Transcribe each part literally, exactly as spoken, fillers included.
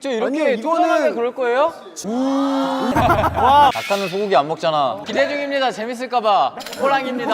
저 이렇게 이거는 그럴 거예요? 와. 낙타는 소고기 안 먹잖아. 기대 중입니다. 재밌을까봐. 호랑입니다.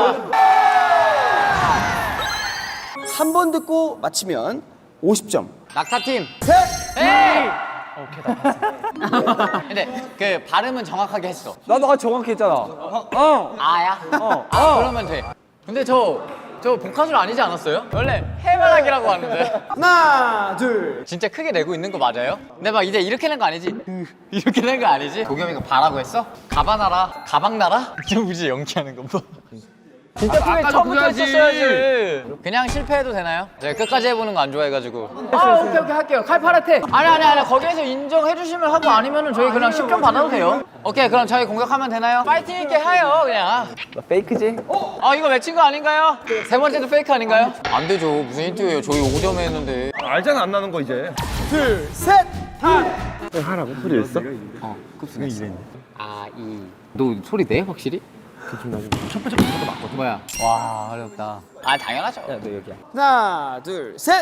한 번 듣고 맞히면 오십 점. 낙타팀. 셋! 에이! 오케이, 나 근데 그 발음은 정확하게 했어. 나도 아까 정확히 했잖아. 어. 아야? 어. 아, 그러면 돼. 근데 저, 저 복화술 아니지 않았어요? 원래 해바라기라고 하는데. 하나, 둘. 진짜 크게 내고 있는 거 맞아요? 근데 막 이제 이렇게 낸 거 아니지? 이렇게 낸 거 아니지? 도겸이가 바라고 했어? 가바나라? 가방나라? 좀 우지 연기하는 거 봐. 진짜 크게 아까도 처음부터 그래야지. 했었어야지. 그냥 실패해도 되나요? 제가 끝까지 해보는 거 안 좋아해가지고. 아, 오케이, 오케이, 할게요. 칼파라테. 아니, 아니, 아니. 거기에서 인정해주시면 하고 아니면은 저희 그냥 십 점 받아도 돼요. 오케이, 그럼 저희 공격하면 되나요? 파이팅 있게 해요, 그냥. 나 페이크지? 아, 이거 맺힌 거 아닌가요? 세 번째도 페이크 아닌가요? 안 되죠. 무슨 힌트예요? 저희 오 점에 했는데. 알잖아 안 나는 거 이제. 둘, 셋! 하라고 소리 냈어? 어, 급수냈어. 아, 이. 너 소리 내, 확실히? 첫 번째 부터도 맞거든. 뭐야? 와, 어렵다. 아, 당연하죠. 야 너 여기야. 하나, 둘, 셋!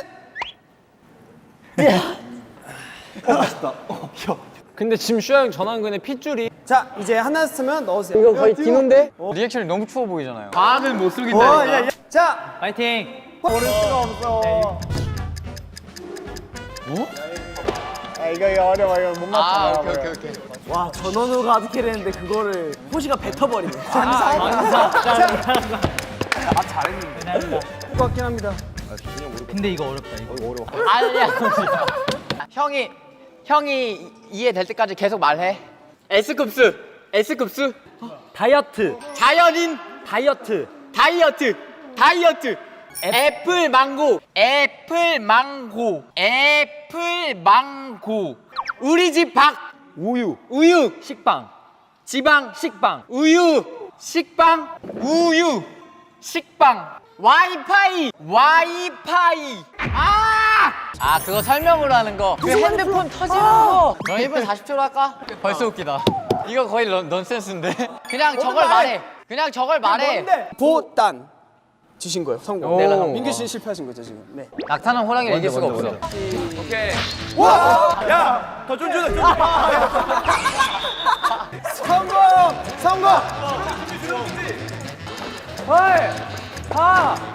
근데 지금 슈아 형 전화한 거는 핏줄이 자, 이제 하나 쓰면 넣으세요. 이거 거의 디노인데? 리액션이 너무 추워 보이잖아요. 과학은 못 어, 속인다니까. 야, 야. 자, 파이팅! 모를 수가 없어. 아, 이거, 이거 어려워. 이거 못 아, 맞춰요. 오케이, 오케이, 오케이. 와 전원우가 가득해야 되는데 그거를 호시가 뱉어버리네. 자, 잘했는데. 것 같긴 합니다. 근데 이거 어렵다 이거 아니야. 형이, 형이 이해될 때까지 계속 말해. S급수, S급수. 다이어트 자연인, 다이어트 다이어트, 다이어트. 애플 망고, 애플 망고, 애플 망고. 우리 집 밥, 우유 우유, 식빵 지방, 식빵 우유, 식빵, 우유, 식빵, 와이파이, 와이파이. 아! 아, 그거 설명으로 하는 거. 그 핸드폰 터지는 거. 그럼 일 분 사십 초로 할까? 벌써 웃기다. 이거 거의 넌, 넌센스인데? 그냥 저걸 말해. 그냥 저걸 말해. 보단. 지신 거예요, 성공. 내가 성공. 민규 씨는 실패하신 거죠, 지금. 네. 낙타는 호랑이를 이길 수가 없어. 더 쫀쫀해. 성공! 성공! 헐. 하.